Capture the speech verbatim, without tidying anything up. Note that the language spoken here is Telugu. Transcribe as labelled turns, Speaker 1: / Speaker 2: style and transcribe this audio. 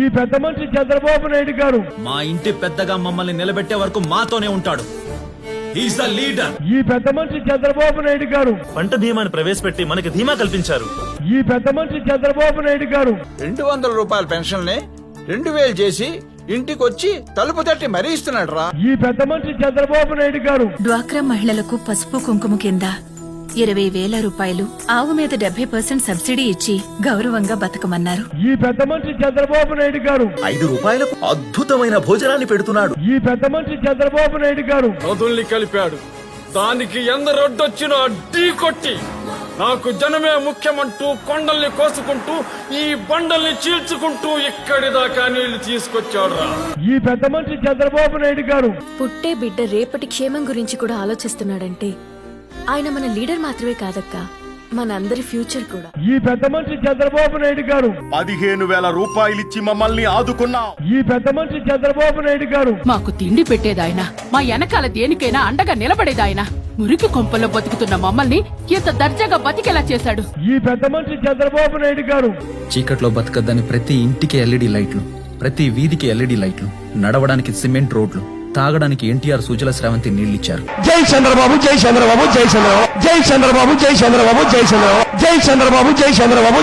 Speaker 1: పెద్ద మనిషి చంద్రబాబు నాయుడు గారు
Speaker 2: మా ఇంటి పెద్దగా మమ్మల్ని నిలబెట్టే వరకు మాతోనే ఉంటాడు. He's the leader.
Speaker 1: ఈ పెద్ద మనిషి చంద్రబాబు నాయుడు గారు
Speaker 3: పంట బీమాను ప్రవేశపెట్టి మనకి ధీమా కల్పించారు.
Speaker 1: ఈ పెద్ద మనిషి చంద్రబాబు నాయుడు గారు
Speaker 4: రెండు వందల రూపాయల పెన్షన్ ని రెండు వేలు చేసి ఇంటికి వచ్చి తలుపు తట్టి మరీ ఇస్తున్నాడు రా.
Speaker 1: ఈ పెద్ద మనిషి చంద్రబాబు నాయుడు గారు
Speaker 5: డ్వాక్రా మహిళలకు పసుపు కుంకుమ కింద ఇరవై వేల రూపాయలు, ఆవు మీద డెబ్బై పర్సెంట్ సబ్సిడీ ఇచ్చి గౌరవంగా బతకమన్నారు.
Speaker 1: ఈ పెద్ద మనిషి చంద్రబాబు నాయుడు గారు
Speaker 2: ఐదు రూపాయలకు అద్భుతమైన భోజనాన్ని పెడుతున్నాడు.
Speaker 1: ఈ పెద్ద మనిషి చంద్రబాబు నాయుడు గారు
Speaker 6: నదుల్ని కలిపాడు. దానికి ఎందరొడ్డొచ్చినా ఢీ కొట్టి నాకు జనమే ముఖ్యమంటూ కొండల్ని కోసుకుంటూ ఈ బండల్ని చీల్చుకుంటూ ఇక్కడి దాకా నీళ్లు తీసుకొచ్చాడు రా.
Speaker 1: ఈ పెద్ద మనిషి చంద్రబాబు నాయుడు గారు
Speaker 7: పుట్టే బిడ్డ రేపటి క్షేమం గురించి కూడా ఆలోచిస్తున్నాడంటే ఆయన మన లీడర్ మాత్రమే కాదక్క, మన అందరి ఫ్యూచర్ కూడా.
Speaker 1: ఈ పెద్ద మనిషి చంద్రబాబు నాయుడు గారు
Speaker 8: పదిహేను వేల రూపాయలిచ్చి మమ్మల్ని ఆదుకున్నాం.
Speaker 1: ఈ పెద్ద మనిషి చంద్రబాబు నాయుడు గారు
Speaker 9: మాకు తిండి పెట్టేదాయన, మా వెనకాల దేనికైనా అండగా నిలబడేదాయన. మురికి కొంపల్లో బతుకుతున్న మమ్మల్ని ఇంత దర్జాగా బతికేలా చేశాడు.
Speaker 1: ఈ పెద్ద మనిషి చంద్రబాబు నాయుడు గారు
Speaker 2: చీకట్లో బతకద్దని ప్రతి ఇంటికి ఎల్ఈడి లైట్లు, ప్రతి వీధికి ఎల్ఈడి లైట్లు, నడవడానికి సిమెంట్ రోడ్లు, తాగడానికి ఎన్టీఆర్ సుజల స్రవంతి నీళ్లిచ్చారు.
Speaker 1: జై చంద్రబాబు, జై చంద్రబాబు, జై చంద్రబాబు, జై చంద్రబాబు, జై చంద్రబాబు, జై చంద్రబాబు, జై చంద్రబాబు, జై చంద్రబాబు.